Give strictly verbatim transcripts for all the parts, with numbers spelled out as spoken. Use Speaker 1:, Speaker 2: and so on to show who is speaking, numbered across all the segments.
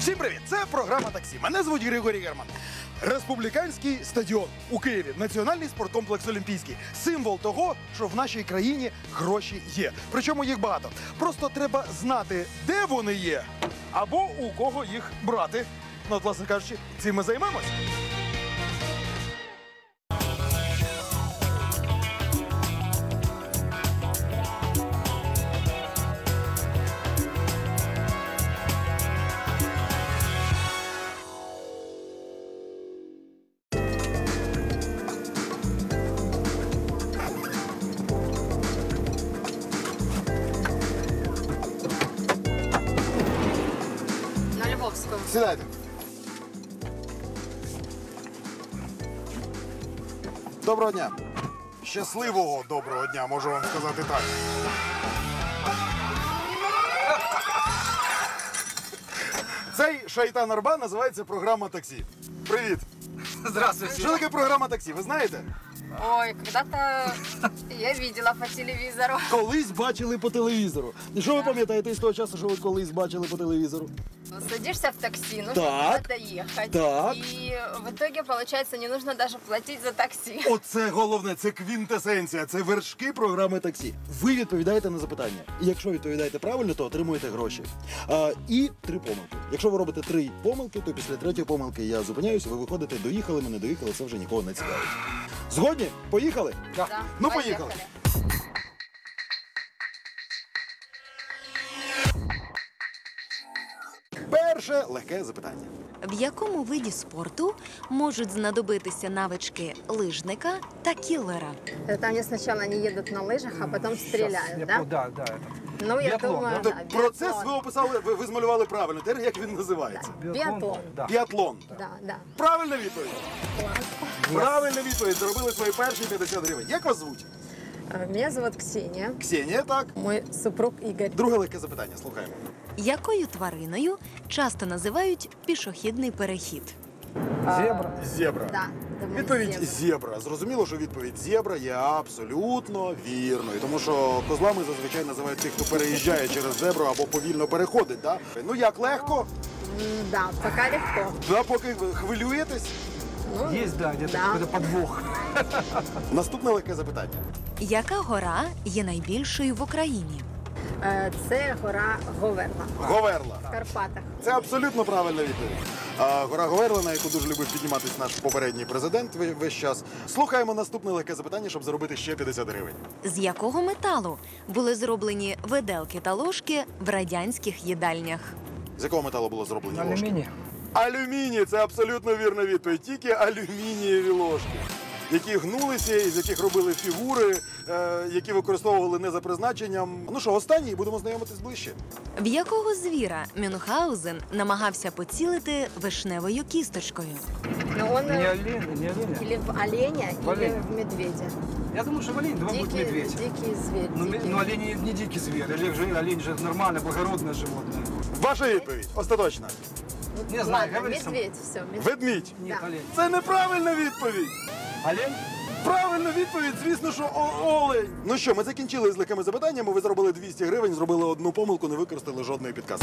Speaker 1: Всім привіт! Це програма «Таксі». Мене звуть Григорій Герман. Республіканський стадіон у Києві. Національний спорткомплекс «Олімпійський». Символ того, що в нашій країні гроші є. Причому їх багато. Просто треба знати, де вони є, або у кого їх брати. Ну, от, власне кажучи, цим ми займемось. Сідайте. Доброго дня. Щасливого доброго дня, можу вам сказати так. Цей шайтан Арбан називається програма «Таксі». Привіт.
Speaker 2: Здравствуйте.
Speaker 1: Що таке програма «Таксі», ви знаєте?
Speaker 3: Ой, когда-то я видела по телевизору.
Speaker 1: Колись бачили по телевізору. І що ви пам'ятаєте з того часу, що ви колись бачили по телевізору?
Speaker 3: Садишься в такси, нужно
Speaker 1: Так.
Speaker 3: куда-то ехать.
Speaker 1: Так.
Speaker 3: И в итоге, получается, не нужно даже платить за такси.
Speaker 1: Оце головне, це квінтесенція, це вершки програми «Таксі». Ви відповідаєте на запитання. І якщо відповідаєте правильно, то отримуєте гроші. А, і три помилки. Якщо ви робите три помилки, то після третьої помилки я зупиняюся, ви виходите, доїхали, ми не доїхали, це вже нікого не цікавить. Згодні? Поїхали?
Speaker 3: Да.
Speaker 1: Ну, поїхали. Перше легке запитання.
Speaker 4: В якому виді спорту можуть знадобитися навички лижника та кіллера?
Speaker 3: Там, где сначала они едут на лыжах, а потом стреляют, да?
Speaker 2: Да, да. Это.
Speaker 3: Ну, я
Speaker 2: Биатлон,
Speaker 3: думаю,
Speaker 1: Тобто
Speaker 3: да,
Speaker 1: процес ви
Speaker 3: биатлон.
Speaker 1: описали, ви, ви змалювали правильно. Тепер як він називається?
Speaker 3: Биатлон.
Speaker 2: Да.
Speaker 1: Біатлон.
Speaker 3: Да, да.
Speaker 1: Правильна відповідь. Правильна відповідь. Заробили свої перші п'ятдесят гривень. Як вас звуть?
Speaker 3: Э, Меня зовут Ксения.
Speaker 1: Ксенія, так.
Speaker 3: Мой супруг Игорь.
Speaker 1: Друге легке запитання. Слухаємо.
Speaker 4: Якою твариною часто називають пішохідний перехід?
Speaker 2: Зебра.
Speaker 1: Зебра.
Speaker 3: Да, думаю,
Speaker 1: Відповідь
Speaker 3: зебра.
Speaker 1: зебра. Зрозуміло, що відповідь зебра є абсолютно вірною. Тому що козлами зазвичай називають тих, хто переїжджає через зебру або повільно переходить. Да? Ну як, легко?
Speaker 3: М, Да, пока легко.
Speaker 1: Да, поки ви хвилюєтесь.
Speaker 3: Ну,
Speaker 2: Есть, да, где-то
Speaker 3: да.
Speaker 2: какой-то подвох.
Speaker 1: Наступне легке запитання.
Speaker 4: Яка гора є найбільшою в Україні?
Speaker 3: Е, Це гора Говерла
Speaker 1: Говерла.
Speaker 3: в Карпатах.
Speaker 1: Це абсолютно правильна відповідь. А, гора Говерла, на яку дуже любив підніматись наш попередній президент ве- весь час. Слухаємо наступне легке запитання, щоб заробити ще п'ятдесят гривень.
Speaker 4: З якого металу були зроблені виделки та ложки в радянських їдальнях?
Speaker 1: З якого металу було зроблені ложки?
Speaker 2: Алюминий.
Speaker 1: Алюміній – це абсолютно вірна відповідь. Тільки алюмінієві ложки, які гнулися, із яких робили фігури, е, які використовували не за призначенням. Ну що, останній, будемо знайомитись ближче.
Speaker 4: В якого звіра Мюнхгаузен намагався поцілити вишневою кісточкою?
Speaker 3: Но он
Speaker 2: Не
Speaker 3: э,
Speaker 2: олень, не оленя.
Speaker 3: или в оленя,
Speaker 2: В
Speaker 3: или
Speaker 2: оленя.
Speaker 3: в медведя.
Speaker 2: Я думаю, что олень, два будет
Speaker 3: Дикий,
Speaker 2: медведь.
Speaker 3: дикий зверь.
Speaker 2: Ну, ме-
Speaker 3: дикий.
Speaker 2: ну, олень не- не дикий зверь. Олень же, олень же нормальное, благородное животное.
Speaker 1: Ваша відповідь остаточна.
Speaker 2: Не знаю,
Speaker 3: Ладно,
Speaker 2: говори сам.
Speaker 3: медведь, все. Медведь.
Speaker 1: Ведмідь.
Speaker 2: Нет,
Speaker 3: Да.
Speaker 2: олень.
Speaker 1: Це неправильна відповідь.
Speaker 2: Олень?
Speaker 1: Правильна відповідь, звісно, що о- олень. Ну що, ми закінчили з легкими запитаннями, ви зробили двісті гривень, зробили одну помилку, не використали жодної підказки.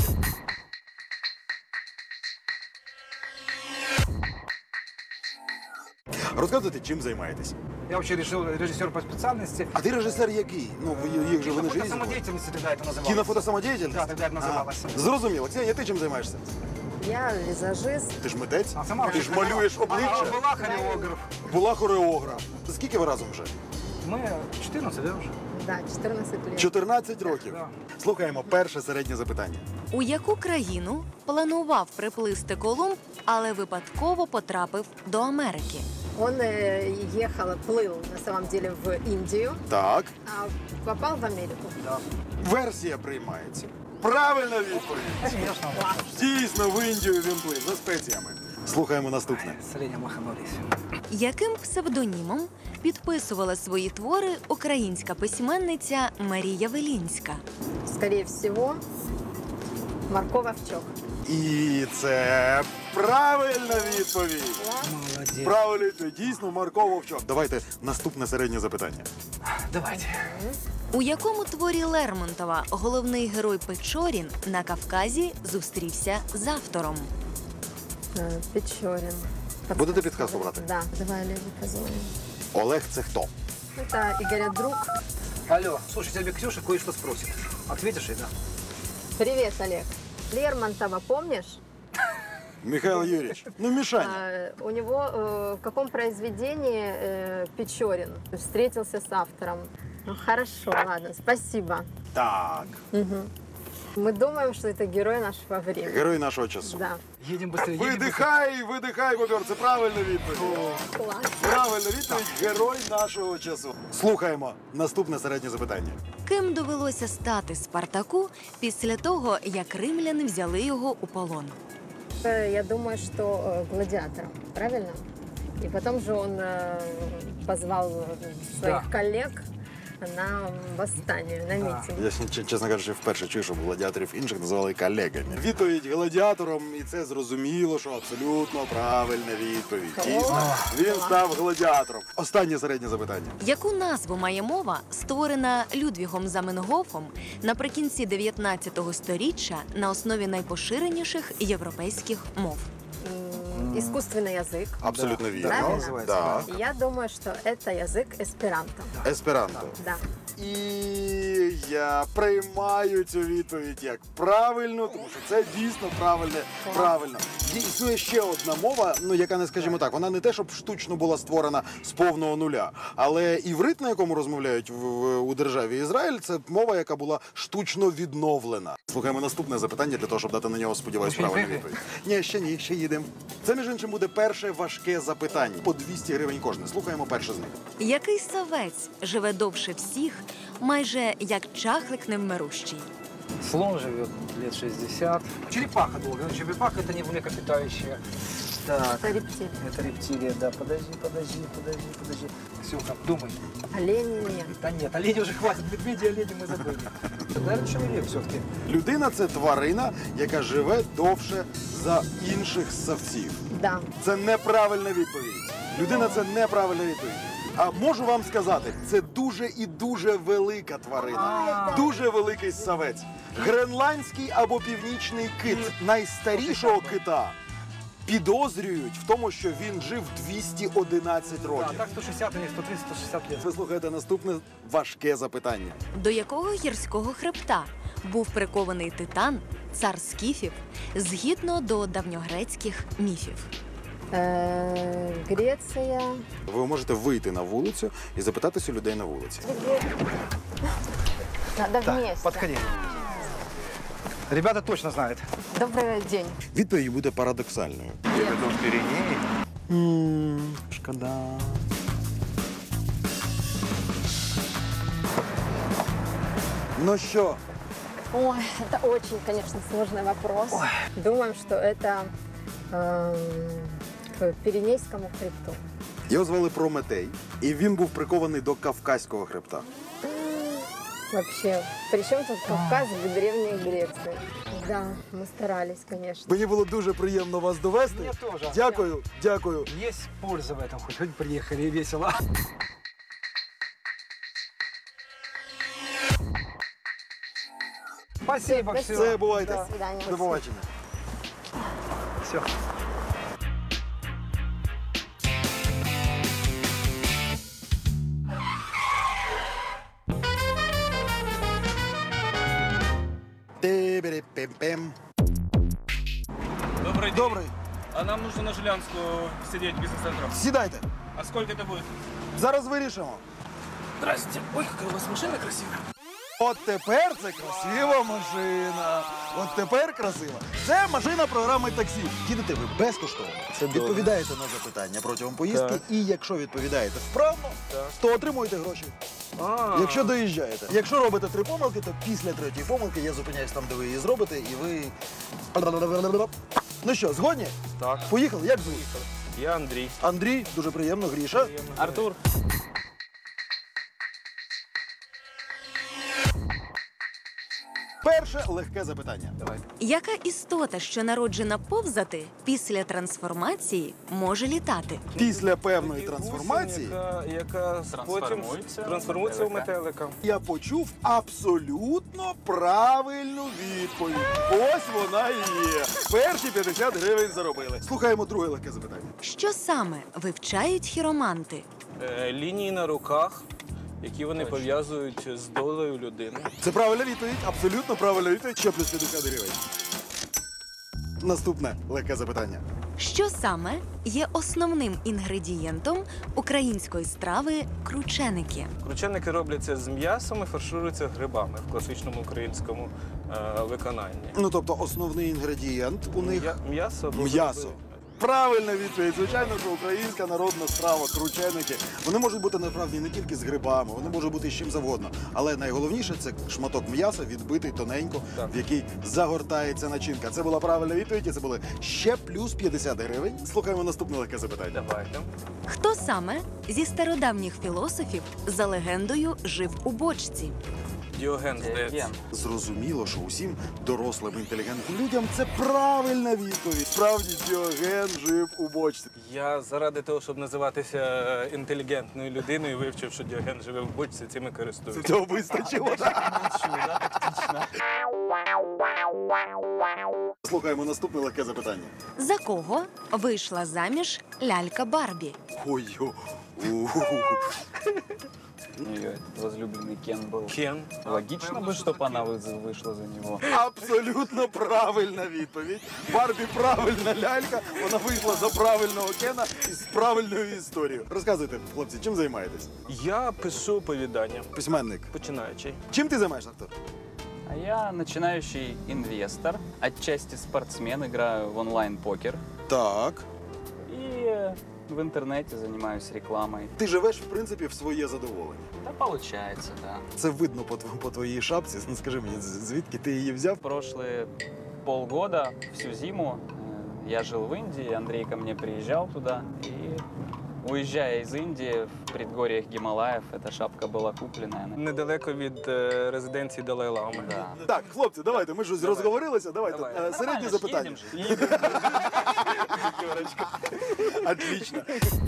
Speaker 1: Розказуйте, чим займаєтесь.
Speaker 2: Я вообще решил режиссер по специальности.
Speaker 1: А ти режисер який? Ну, ви- їх же вони ж різні.
Speaker 2: Самодеятельности тогда это называлось.
Speaker 1: Кінофотосамодіяльність?
Speaker 2: Да, тогда это называлось.
Speaker 1: А, зрозуміло. Ксенія, ти чим займаєшся?
Speaker 3: Я визажист.
Speaker 1: Ти ж митець?
Speaker 2: А сама
Speaker 1: Ти ж
Speaker 2: вообще
Speaker 1: малюєш
Speaker 2: А,
Speaker 1: обличчя?
Speaker 2: была хореограф.
Speaker 1: Була хореограф. Скільки ви разом вже?
Speaker 2: Мы четырнадцать, да, уже?
Speaker 3: Да, чотирнадцять лет.
Speaker 1: чотирнадцять років.
Speaker 2: Да.
Speaker 1: Слухаємо перше середнє запитання.
Speaker 4: У яку країну планував приплисти Колумб, але випадково потрапив до Америки?
Speaker 3: Он э, ехал, плыл на самом деле в Индию,
Speaker 1: Так.
Speaker 3: а попал в Америку.
Speaker 2: Да.
Speaker 1: Версія приймається. Правильна відповідь.
Speaker 2: Конечно.
Speaker 1: Дійсно, в Індію він плив за спеціями. Слухаємо наступне.
Speaker 2: С оленем лоханулись.
Speaker 4: Яким псевдонімом підписувала свої твори українська письменниця Марія Велінська?
Speaker 3: Скорее всего, Марко Вовчок.
Speaker 1: І це правильна відповідь.
Speaker 2: Молодец.
Speaker 1: Правильно відповідь. Дійсно, Марко Вовчок. Давайте наступне середнє запитання.
Speaker 2: Давайте.
Speaker 4: У якому творі Лермонтова головний герой Печорін на Кавказі зустрівся з автором?
Speaker 3: Э, Печорин.
Speaker 1: Будете підказку брати?
Speaker 3: Да, давай Олегу позвоним.
Speaker 1: Олег це хто?
Speaker 3: Это Игоря друг.
Speaker 2: Алло, слушай, тебя Ксюша кое-что спросит. Ответишь ей, да?
Speaker 3: Привет, Олег. Лермонтова помнишь?
Speaker 1: Михайло Юрійович, ну Мішаня.
Speaker 3: А, у него э, в каком произведении э, Печорин встретился с автором? Ну, хорошо, ладно, спасибо.
Speaker 1: Так,
Speaker 3: Мгм. Мы думаем, что это герой нашего времени.
Speaker 1: герой нашого часу.
Speaker 3: Да.
Speaker 2: Едем быстрее, едем быстрее.
Speaker 1: Видихай, видихай, бобер, це правильна відповідь.
Speaker 3: Класс.
Speaker 1: Правильна відповідь, герой нашого часу. Слухаємо наступне середнє запитання.
Speaker 4: Ким довелося стати Спартаку після того, як римляни взяли його у полон?
Speaker 3: Э, Я думаю, что э, гладиатором, правильно? И потом же он э, позвал э, своих
Speaker 2: Да.
Speaker 3: коллег на восстание, на
Speaker 2: Да.
Speaker 3: митинг.
Speaker 1: Я, ч- чесно кажучи, вперше чую, щоб гладіаторів інших називали колегами. Відповідь гладіатором, і це зрозуміло, що абсолютно правильна відповідь. Дійсно, він став гладіатором. Останнє середнє запитання.
Speaker 4: Яку назву має мова, створена Людвігом Заменгофом наприкінці дев'ятнадцятого сторіччя на основі найпоширеніших європейських мов?
Speaker 3: М, Искусственный язык.
Speaker 1: Абсолютно вірно.
Speaker 3: Правильно?
Speaker 2: називається,
Speaker 1: Так.
Speaker 3: Я думаю, что это язык эсперанто.
Speaker 1: Есперанто.
Speaker 3: Да.
Speaker 1: І я приймаю цю відповідь як правильну, тому що це дійсно правильне. Правильно. Є- Існує ще одна мова, ну яка не скажімо так, вона не те, щоб штучно була створена з повного нуля, але іврит, на якому розмовляють в, в- у державі Ізраїль, це мова, яка була штучно відновлена. Слухаємо наступне запитання для того, щоб дати на нього, сподіваюсь,
Speaker 2: Ще не
Speaker 1: правильну
Speaker 2: приїхали?
Speaker 1: відповідь. Ні, ще ні, ще їдемо. Це, між іншим, буде перше важке запитання. По двісті гривень кожне. Слухаємо перше з них.
Speaker 4: Який савець живе довше всіх, майже як чахлик невмирущий?
Speaker 2: Слон живет лет шестьдесят. Черепаха долго. но Черепаха это не млекопитающая. Так,
Speaker 3: Это рептилия.
Speaker 2: это рептилия, да. Подожди, подожди, подожди, подожди. Ксюха, думай.
Speaker 3: Олени нет.
Speaker 2: Да нет, оленей уже хватит. Медведи, олени мы забыли. Наверное, человек все-таки.
Speaker 1: Людина це тварина, яка живе довше за інших ссавців.
Speaker 3: Да.
Speaker 1: Це неправильна відповідь. Людина це неправильна відповідь. А можу вам сказати, це дуже і дуже велика тварина. Дуже великий ссавець. Гренландський або північний кит найстарішого кита підозрюють в тому, що він жив двісті одинадцять
Speaker 2: Да,
Speaker 1: років.
Speaker 2: так сто шестьдесят, или сто тридцать, сто шестьдесят лет.
Speaker 1: Ви слухаєте наступне важке запитання.
Speaker 4: До якого гірського хребта був прикований титан, цар скіфів, згідно до давньогрецьких міфів?
Speaker 3: Э, Греция.
Speaker 1: Ви можете вийти на вулицю і запитатися у людей на вулиці.
Speaker 3: Надо
Speaker 2: Так,
Speaker 3: вместе.
Speaker 2: подходи. Ребята точно знают.
Speaker 3: Добрый день.
Speaker 1: Відповідь буде парадоксальною. Шкода. Ну що,
Speaker 3: Ой, это очень, конечно, сложный вопрос. Думаем, что это эм, к Пиренейскому хребту.
Speaker 1: його звали Прометей, і він був прикований до Кавказького хребта.
Speaker 3: Вообще, при чем тут Кавказ в Древней Греции? Да, мы старались, конечно.
Speaker 1: Мені було дуже приємно вас довести.
Speaker 2: Мне тоже.
Speaker 1: Дякую, дякую.
Speaker 2: Есть польза в этом, хоть, хоть приехали и весело. Спасибо,
Speaker 3: Спасибо.
Speaker 2: все.
Speaker 1: Все, бувайте.
Speaker 3: До свидания.
Speaker 1: До побачення.
Speaker 2: Все.
Speaker 1: Ти-бері-пем-пем.
Speaker 5: Добрый день.
Speaker 1: Добрий.
Speaker 5: А нам нужно на Жилянскую сидеть бизнес-центром.
Speaker 1: Сідайте.
Speaker 5: А сколько это будет?
Speaker 1: Зараз вирішимо.
Speaker 5: Здрасте. Ой, какая у вас машина красивая.
Speaker 1: От тепер це красива машина. От тепер красива. Це машина програми таксі. Їдете ви безкоштовно. Відповідаєте на запитання протягом поїздки.
Speaker 5: Так.
Speaker 1: І якщо відповідаєте вправно, то отримуєте гроші.
Speaker 5: А,
Speaker 1: Якщо доїжджаєте. Якщо робите три помилки, то після третьої помилки я зупиняюсь там, де ви її зробите, і ви. Ну що, згодні?
Speaker 5: Так.
Speaker 1: Поїхали, як звуть?
Speaker 5: я Андрей.
Speaker 1: Андрій, дуже приємно, Гріша.
Speaker 5: Артур.
Speaker 1: Перше легке запитання.
Speaker 2: Давай.
Speaker 4: Яка істота, що народжена повзати, після трансформації може літати?
Speaker 1: Після певної трансформації
Speaker 5: Яка, яка потім
Speaker 6: Трансформується.
Speaker 5: трансформується в
Speaker 6: Метелика.
Speaker 5: метелика.
Speaker 1: я почув абсолютно правильну відповідь. Ось вона і є. Перші п'ятдесят гривень заробили. Слухаємо друге легке запитання.
Speaker 4: Що саме вивчають хіроманти?
Speaker 5: Е, лінії на руках, які вони пов'язують з долею людини.
Speaker 1: Це правильна відповідь, абсолютно правильна відповідь. Ще плюс п'ятдесят гривень. Наступне легке запитання.
Speaker 4: Що саме є основним інгредієнтом української страви крученики?
Speaker 5: Крученики робляться з м'ясом і фаршируються грибами в класичному українському е, виконанні.
Speaker 1: Ну, тобто основний інгредієнт у них
Speaker 5: М'я- М'ясо або
Speaker 1: м'ясо.
Speaker 5: гриби.
Speaker 1: Правильна відповідь. Звичайно, що українська народна страва, крученики. Вони можуть бути насправді не тільки з грибами, вони можуть бути з чим завгодно. Але найголовніше це шматок м'яса, відбитий тоненько,
Speaker 5: Так.
Speaker 1: в який загортається начинка. Це була правильна відповідь, і це були ще плюс п'ятдесят гривень. Слухаємо наступне легке запитання.
Speaker 5: Давайте.
Speaker 4: Хто саме зі стародавніх філософів за легендою жив у бочці?
Speaker 5: Діоген, здається.
Speaker 6: Ген.
Speaker 1: Зрозуміло, що усім дорослим інтелігентним людям це правильна відповідь. Справді Діоген жив у бочці.
Speaker 5: Я заради того, щоб називатися е, інтелігентною людиною, вивчив, що Діоген живе в бочці, цим і користуюся.
Speaker 1: Цього вистачило. Слухаємо наступне легке запитання.
Speaker 4: За кого вийшла заміж лялька Барбі?
Speaker 1: Ой, о,
Speaker 6: Ее возлюбленный Кен был.
Speaker 5: Кен.
Speaker 6: Логично бы, чтобы она вы- вышла за него.
Speaker 1: абсолютно правильна відповідь. Барбі правильна лялька, вона вийшла за правильного Кена із правильною історією. Розказуйте, хлопці, чим займаєтесь?
Speaker 5: Я пишу оповідання,
Speaker 1: Письменник.
Speaker 5: починаючи.
Speaker 1: Чим ти займаєшся, Артур?
Speaker 6: А я начинающий инвестор, отчасти спортсмен, играю в онлайн-покер.
Speaker 1: Так.
Speaker 6: И э, в интернете занимаюсь рекламой.
Speaker 1: Ти живеш, в принципі, в своє задоволення.
Speaker 6: Да, получается, да.
Speaker 1: Це видно по, тв- по твоїй шапці. Ну, скажи мені, з- звідки ти її взяв?
Speaker 6: Прошлые полгода, всю зиму, э, я жил в Индии, Андрей ко мне приезжал туда. И уезжая из Индии, в предгорьях Гималаев, эта шапка была куплена. Она-
Speaker 5: Недалеко від е, резиденції Далай-Лами.
Speaker 6: Да.
Speaker 1: Так, хлопці, давайте, ми щось розговорилися. Давайте.
Speaker 5: Давай.
Speaker 1: Е, Середнє
Speaker 6: Нормально ж,
Speaker 1: запитання.
Speaker 6: едем же, едем.
Speaker 1: Отлично.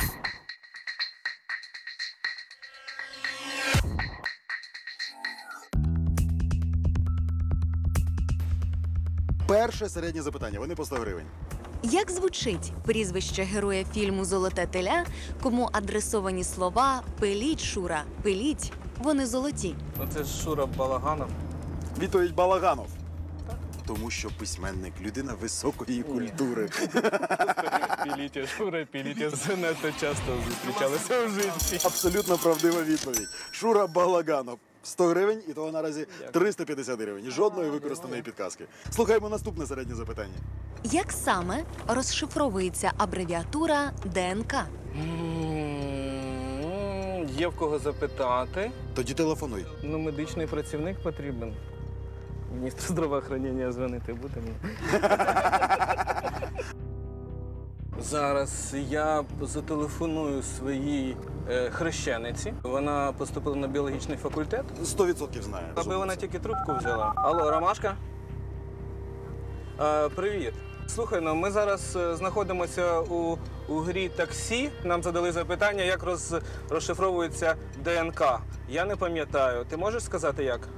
Speaker 1: Перше середнє запитання. Вони по сто гривень.
Speaker 4: Як звучить прізвище героя фільму Золоте теля, кому адресовані слова «Пиліть, Шура, пиліть», вони золоті?
Speaker 5: Ну це ж Шура Балаганов.
Speaker 1: Відповідь Балаганов. Тому що письменник людина високої культури.
Speaker 5: Пілітя, Шура, Пілітя занадто часто зустрічалися в житті.
Speaker 1: Абсолютно правдива відповідь. Шура Балаганов. сто гривень, і того наразі триста п'ятдесят гривень. Жодної використаної підказки. Слухаємо наступне середнє запитання.
Speaker 4: Як саме розшифровується абревіатура ДНК?
Speaker 5: М, Є в кого запитати.
Speaker 1: Тоді телефонуй.
Speaker 5: Ну, медичний працівник потрібен. Міністр здравоохранення дзвонити буде. Зараз я зателефоную своїй е, хрещениці. Вона поступила на біологічний факультет.
Speaker 1: Сто відсотків знає.
Speaker 5: Аби вона тільки трубку взяла. Алло, Ромашка? Е, привіт. Слухай, ну ми зараз е, знаходимося у, у грі таксі. Нам задали запитання, як роз, розшифровується ДНК. Я не пам'ятаю. Ти можеш сказати як?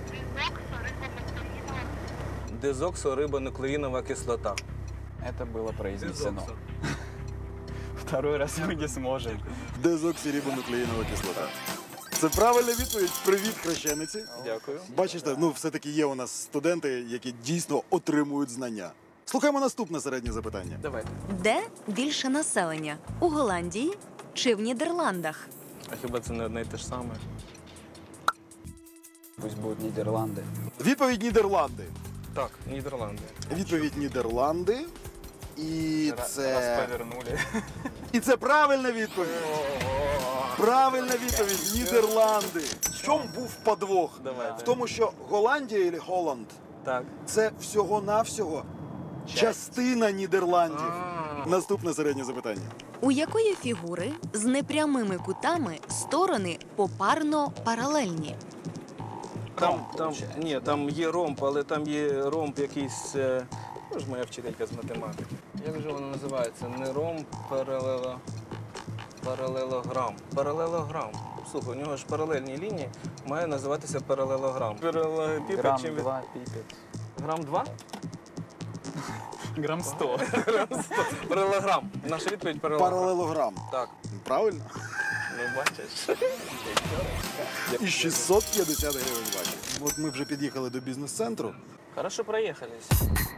Speaker 5: Дезоксорибонуклеїнова кислота.
Speaker 6: Это было произнесено. Второй раз мы не сможем.
Speaker 1: Дезоксирибонуклеїнова кислота. Це правильна відповідь. Привіт, хрещениці.
Speaker 5: Дякую.
Speaker 1: Бачите, ну все-таки є у нас студенти, які дійсно отримують знання. Слухаємо наступне середнє запитання.
Speaker 5: Давайте.
Speaker 4: Де більше населення? У Голландії чи в Нідерландах?
Speaker 5: А хіба це не одне і те ж саме?
Speaker 6: Пусть будут Нидерланды.
Speaker 1: Відповідь Нідерланди.
Speaker 5: Так, Нідерланди.
Speaker 1: Відповідь Нідерланди. І
Speaker 6: Раз
Speaker 1: це...
Speaker 6: повернули.
Speaker 1: І це правильна відповідь. Правильна відповідь. Нідерланди. В чому був подвох?
Speaker 5: Давайте.
Speaker 1: В тому, що Голландія або Голланд
Speaker 5: Так.
Speaker 1: – це всього-навсього частина Нідерландів.
Speaker 5: А.
Speaker 1: Наступне середнє запитання.
Speaker 4: У якої фігури з непрямими кутами сторони попарно паралельні?
Speaker 5: Там, там, ні, там є ромб, але там є ромб якийсь, е, ну ж моя вчителька з математики. Як же воно називається? Не ромб, паралело, паралелограм. Паралелограм. Слухай, у нього ж паралельні лінії, має називатися паралелограм. Паралелепіпед
Speaker 6: Грамм
Speaker 5: чим він-
Speaker 6: два пипет.
Speaker 5: Грам два?
Speaker 6: Грамм сто.
Speaker 5: Паралелограм. Наша відповідь паралелограм.
Speaker 1: Паралелограм.
Speaker 5: Так.
Speaker 1: Правильно?
Speaker 5: Ну, бачиш.
Speaker 1: І шістсот п'ятдесят гривень бачиш. От ми вже під'їхали до бізнес-центру.
Speaker 5: Хорошо проїхались.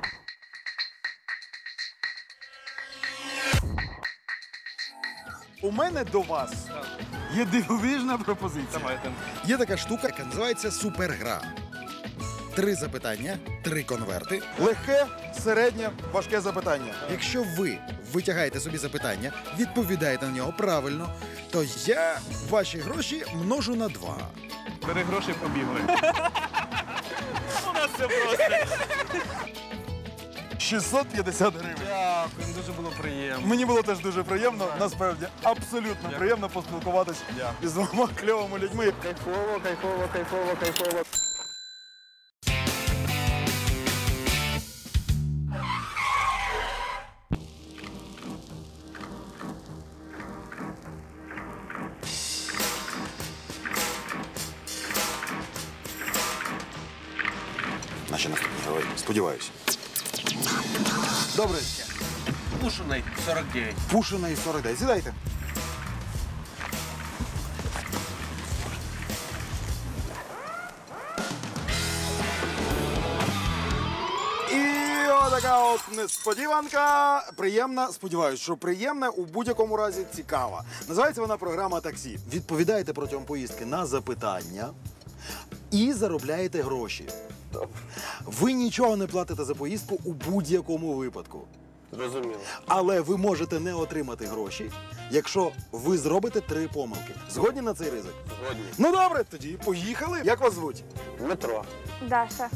Speaker 1: У мене до вас є дивовижна пропозиція.
Speaker 5: Давайте.
Speaker 1: Є така штука, яка називається супергра. Три запитання, три конверти. Легке, середнє, важке запитання. Якщо ви витягаєте собі запитання, відповідаєте на нього правильно, то я ваші гроші множу на два.
Speaker 5: Бери гроші, побігли. У нас все просто.
Speaker 1: шістсот п'ятдесят гривень.
Speaker 5: Дякую, дуже було приємно.
Speaker 1: Мені було теж дуже приємно, насправді, абсолютно приємно поспілкуватися із двома кльовими людьми.
Speaker 5: Кайфово, кайфово, кайфово, кайфово.
Speaker 1: Наші наступні герої, сподіваюся. Добре.
Speaker 5: Пушений сорок дев'ять.
Speaker 1: Пушина і сорок дев'ять. Сідайте. І отака от несподіванка. Приємна, сподіваюся, що приємна, у будь-якому разі цікава. Називається вона програма «Таксі». Відповідаєте протягом поїздки на запитання і заробляєте гроші. Ви нічого не платите за поїздку у будь-якому випадку.
Speaker 5: Зрозуміло.
Speaker 1: Але ви можете не отримати гроші, якщо ви зробите три помилки. Згодні на цей ризик?
Speaker 5: Згодні.
Speaker 1: Ну добре, тоді поїхали. Як вас звуть?
Speaker 5: Дмитро.
Speaker 3: Даша.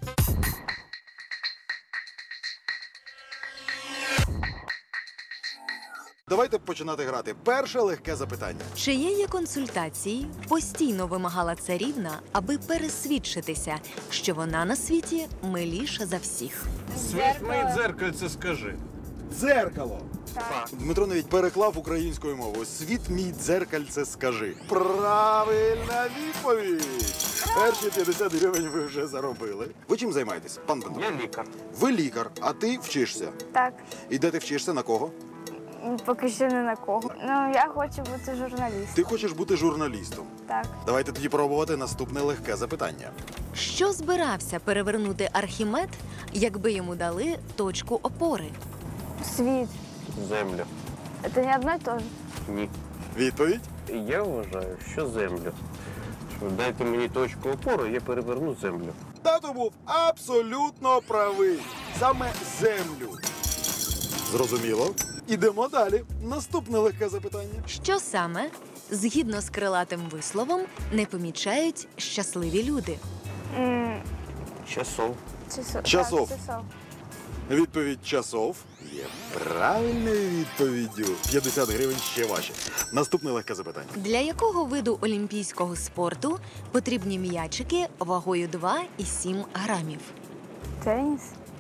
Speaker 1: Давайте починати грати. Перше легке запитання.
Speaker 4: Чиєї консультації постійно вимагала царівна, аби пересвідчитися, що вона на світі миліша за всіх.
Speaker 5: Світ мої дзеркальце скажи.
Speaker 1: Дзеркало.
Speaker 3: Так.
Speaker 1: Дмитро навіть переклав українською мовою. Світ мій дзеркальце скажи. Правильна відповідь. Перші п'ятдесят гривень ви вже заробили. Ви чим займаєтесь, пан Дмитро?
Speaker 5: Я лікар.
Speaker 1: Ви лікар, а ти вчишся.
Speaker 7: Так,
Speaker 1: І де ти вчишся, на кого?
Speaker 7: поки що не на кого. Ну, я хочу бути журналістом.
Speaker 1: Ти хочеш бути журналістом.
Speaker 7: Так.
Speaker 1: Давайте тоді пробувати наступне легке запитання.
Speaker 4: Що збирався перевернути Архімед, якби йому дали точку опори?
Speaker 7: Світ.
Speaker 8: Землю.
Speaker 7: Це не одно і те ж.
Speaker 8: Ні.
Speaker 1: Відповідь?
Speaker 8: Я вважаю, що землю. Що дайте мені точку опору, я переверну землю.
Speaker 1: Тато був абсолютно правий. Саме землю. Зрозуміло. Ідемо далі. Наступне легке запитання.
Speaker 4: Що саме, згідно з крилатим висловом, не помічають щасливі люди?
Speaker 7: М,
Speaker 8: Часов.
Speaker 7: часов.
Speaker 1: Часов.
Speaker 7: Так, часов.
Speaker 1: Відповідь часов є правильною відповіддю. п'ятдесят гривень ще ваші. Наступне легке запитання.
Speaker 4: Для якого виду олімпійського спорту потрібні м'ячики вагою два і сім грамів?
Speaker 7: Теніс.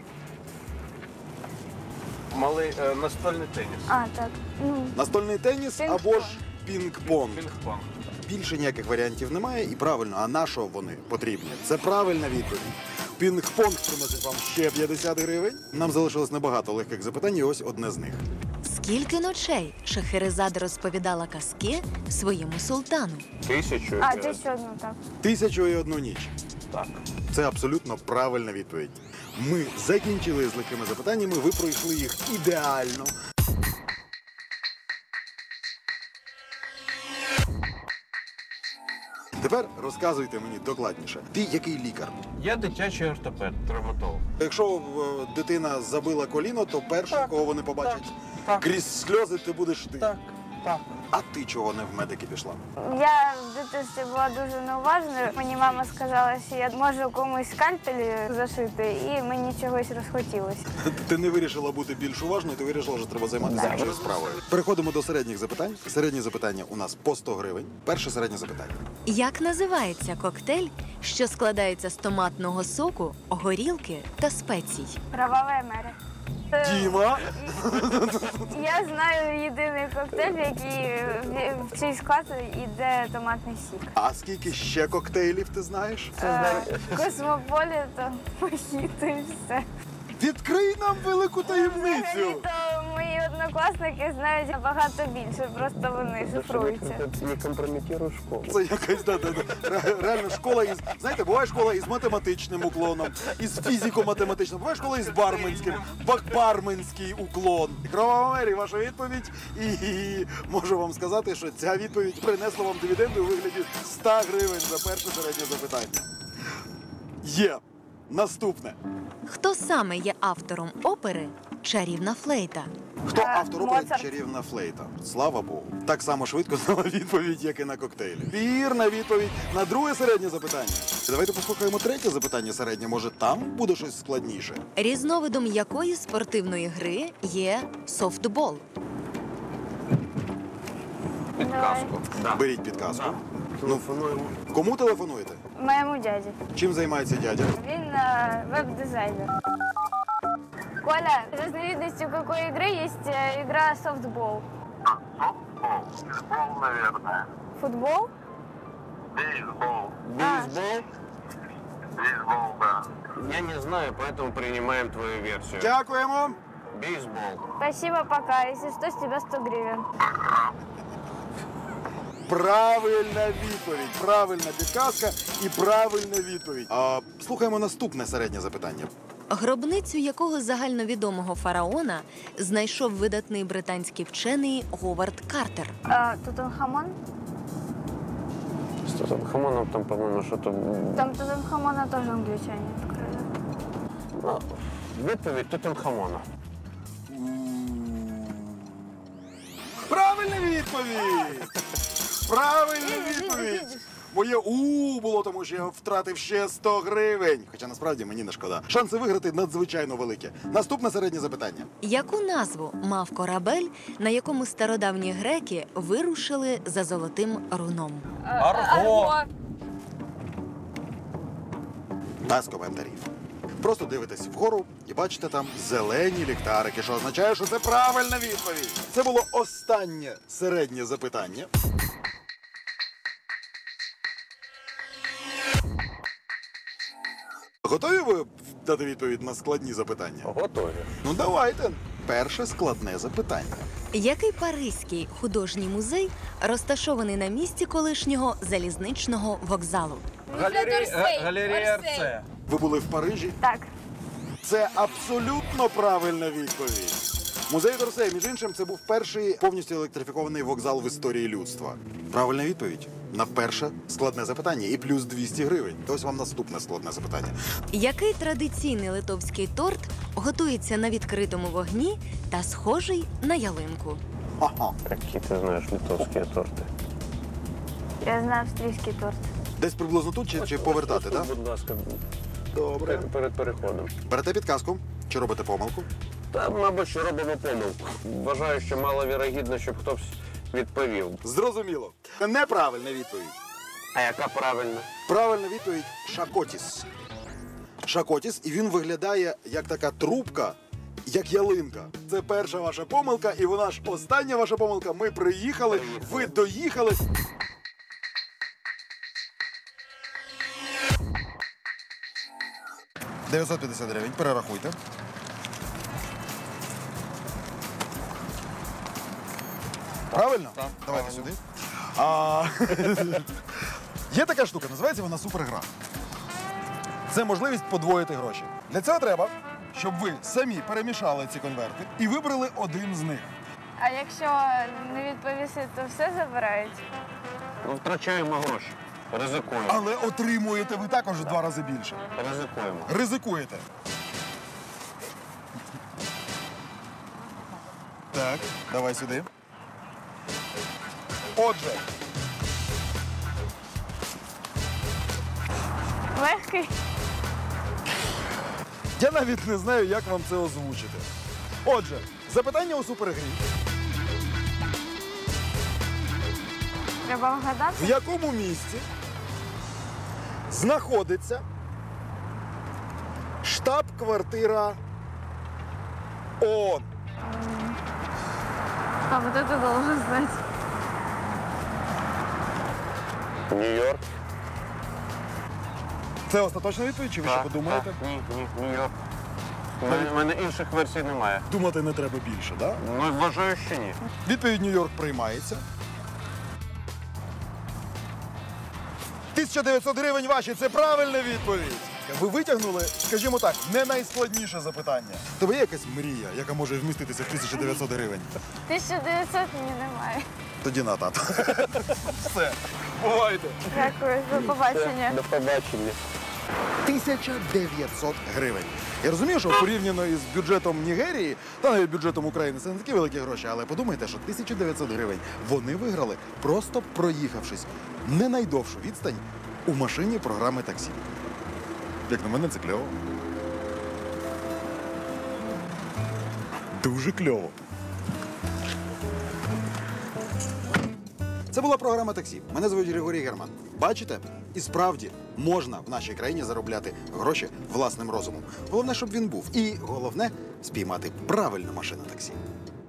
Speaker 8: Малий е, настольний теніс.
Speaker 7: А, так. Ну,
Speaker 1: Настольний теніс
Speaker 7: Пінг-понг.
Speaker 1: або ж пінг-понг.
Speaker 8: Пінг-понг.
Speaker 1: Більше ніяких варіантів немає і правильно, а на що вони потрібні? Це правильна відповідь. Пінг-понг приносить вам ще п'ятдесят гривень. Нам залишилось небагато легких запитань, і ось одне з них.
Speaker 4: Скільки ночей Шахерезада розповідала казки своєму султану?
Speaker 8: Тисячу.
Speaker 7: а,
Speaker 8: е,
Speaker 7: ти ще одну, так.
Speaker 1: Тисячу і одну ніч.
Speaker 8: Так.
Speaker 1: Це абсолютно правильна відповідь. Ми закінчили з легкими запитаннями, ви пройшли їх ідеально. Тепер розказуйте мені докладніше. Ти який лікар?
Speaker 8: Я дитячий ортопед, травматолог.
Speaker 1: Якщо е, дитина забила коліно, то перше,
Speaker 8: Так,
Speaker 1: кого вони побачать,
Speaker 8: так.
Speaker 1: крізь сльози ти будеш ти.
Speaker 8: Так.
Speaker 2: Так.
Speaker 1: А ти чого не в медики пішла?
Speaker 7: Я в дитинстві була дуже неуважною. Мені мама сказала, що я можу комусь скальпелі зашити, і мені чогось розхотілося.
Speaker 1: Ти не вирішила бути більш уважною, ти вирішила, що треба займатися іншою справою. Переходимо до середніх запитань. Середні запитання у нас по сто гривень. Перше середнє запитання.
Speaker 4: Як називається коктейль, що складається з томатного соку, горілки та спецій?
Speaker 7: Кроваве море.
Speaker 1: Діма!
Speaker 7: Я знаю єдиний коктейль, в який в- в чий склад йде томатний сік.
Speaker 1: А скільки ще коктейлів ти знаєш?
Speaker 7: Е, Космополітен, мохіто і все.
Speaker 1: Відкрий нам велику таємницю!
Speaker 7: Взагалі-то мої однокласники знають набагато більше, просто вони шифруються.
Speaker 8: Не компрометируй школу.
Speaker 1: Це якась да, да, да. Ре- реально школа із. Знаєте, буває школа із математичним уклоном, із фізико-математичним, буває школа із барменським, бак- барменський уклон. Кровава Мері, ваша відповідь. І, і можу вам сказати, що ця відповідь принесла вам дивіденди у вигляді ста гривень за перше середнє запитання. Є. Наступне.
Speaker 4: Хто саме є автором опери «Чарівна флейта»?
Speaker 1: Хто
Speaker 7: Е,
Speaker 1: автор опери
Speaker 7: Моцарт.
Speaker 1: «Чарівна флейта»? Слава Богу. Так само швидко знала відповідь, як і на коктейлі. Вірна відповідь на друге середнє запитання. Давайте послухаємо третє запитання середнє. Може, там буде щось складніше?
Speaker 4: Різновидом якої спортивної гри є софтбол?
Speaker 8: Підказку. Да.
Speaker 1: Беріть підказку.
Speaker 8: Телефонуємо.
Speaker 1: Кому телефонуєте?
Speaker 7: Моєму дяді.
Speaker 1: Чим займається дядя?
Speaker 7: Він е, веб-дизайнер. Коля, разновидностью какой игры есть э, игра софтбол?
Speaker 9: Бейсбол, наверное.
Speaker 7: Футбол?
Speaker 9: Бейсбол.
Speaker 8: Бейсбол?
Speaker 9: Бейсбол, да.
Speaker 8: Я не знаю, поэтому принимаем твою версию.
Speaker 1: Дякуємо.
Speaker 8: Бейсбол.
Speaker 7: Спасибо, пока. Если что, с тебя сто гривен.
Speaker 1: Правильна відповідь. Правильна підказка і правильна відповідь. А, слухаємо наступне середнє запитання.
Speaker 4: Гробницю якого загальновідомого фараона знайшов видатний британський вчений Говард Картер?
Speaker 7: А, Тутанхамон?
Speaker 8: С Тутанхамоном там, по-моему, что-то...
Speaker 7: Там Тутанхамона тоже англичане открыли.
Speaker 8: Ну, відповідь Тутанхамона.
Speaker 1: Правильна відповідь! Правильна відповідь! Моє у було, тому що я втратив ще сто гривень. Хоча насправді мені не шкода. Шанси виграти надзвичайно великі. Наступне середнє запитання.
Speaker 4: Яку назву мав корабель, на якому стародавні греки вирушили за золотим руном?
Speaker 6: Арго!
Speaker 1: Без коментарів. Просто дивитесь вгору і бачите там зелені ліхтарики, що означає, що це правильна відповідь. Це було останнє середнє запитання. Готові ви дати відповідь на складні запитання?
Speaker 8: Готові.
Speaker 1: Ну давайте. Перше складне запитання.
Speaker 4: Який паризький художній музей розташований на місці колишнього залізничного вокзалу?
Speaker 6: Галерея, галерея РЦ.
Speaker 1: Ви були в Парижі?
Speaker 7: Так.
Speaker 1: Це абсолютно правильна відповідь. Музей Дорсей, між іншим, це був перший повністю електрифікований вокзал в історії людства. Правильна відповідь на перше складне запитання і плюс двісті гривень. Ось вам наступне складне запитання.
Speaker 4: Який традиційний литовський торт готується на відкритому вогні та схожий на ялинку?
Speaker 1: Ага.
Speaker 8: Які ти знаєш литовські торти?
Speaker 7: Я знаю австрийский торт.
Speaker 1: Десь приблизно тут чи, чи повертати,
Speaker 8: Ось
Speaker 1: так?
Speaker 8: тут, будь ласка,
Speaker 1: Добре.
Speaker 8: перед, перед переходом.
Speaker 1: Берете підказку чи робите помилку?
Speaker 8: Та, мабуть, що робимо помилку. Вважаю, що маловірогідно, щоб хтось відповів.
Speaker 1: Зрозуміло. Неправильна відповідь.
Speaker 8: А яка правильна?
Speaker 1: Правильна відповідь шакотіс. Шакотіс, і він виглядає як така трубка, як ялинка. Це перша ваша помилка, і вона ж остання ваша помилка. Ми приїхали, ви доїхали. дев'ятсот п'ятдесят гривень, перерахуйте. Правильно?
Speaker 6: Так.
Speaker 1: Давайте сюди. А... Є така штука, називається вона супергра. Це можливість подвоїти гроші. Для цього треба, щоб ви самі перемішали ці конверти і вибрали один з них.
Speaker 7: А якщо не відповісти, то все забирають?
Speaker 8: Ну, втрачаємо гроші. Ризикуємо.
Speaker 1: Але отримуєте ви також в два рази більше.
Speaker 8: Ризикуємо.
Speaker 1: Ризикуєте. Так, давай сюди. Отже,
Speaker 7: Легкий.
Speaker 1: я навіть не знаю, як вам це озвучити. Отже, запитання у супергрі.
Speaker 7: Треба вгадати.
Speaker 1: В якому місці знаходиться штаб-квартира ООН?
Speaker 7: А вот это должен знать.
Speaker 8: Нью-Йорк.
Speaker 1: Це остаточна відповідь, чи ви ще
Speaker 8: Так,
Speaker 1: подумаєте?
Speaker 8: так. Ні, ні, Нью-Йорк. У мене, у мене інших версій немає.
Speaker 1: Думати не треба більше, так? Да?
Speaker 8: Ну, вважаю, що ні.
Speaker 1: Відповідь Нью-Йорк приймається. тисяча дев'ятсот гривень ваші – це правильна відповідь. Ви витягнули, скажімо так, не найскладніше запитання. Тобі є якась мрія, яка може вміститися в тисячу дев'ятсот гривень?
Speaker 7: тисяча дев'ятсот мені немає.
Speaker 1: Тоді на тато. Все. Бувайте.
Speaker 7: Дякую, до побачення.
Speaker 8: До побачення.
Speaker 1: тисяча дев'ятсот гривень. Я розумію, що порівняно із бюджетом Нігерії, та навіть бюджетом України, це не такі великі гроші, але подумайте, що тисяча дев'ятсот гривень вони виграли, просто проїхавшись не найдовшу відстань у машині програми таксі. Як на мене, це кльово. Дуже кльово. Це була програма «Таксі». Мене звуть Григорій Герман. Бачите? І справді можна в нашій країні заробляти гроші власним розумом. Головне, щоб він був. І головне – спіймати правильну машину таксі.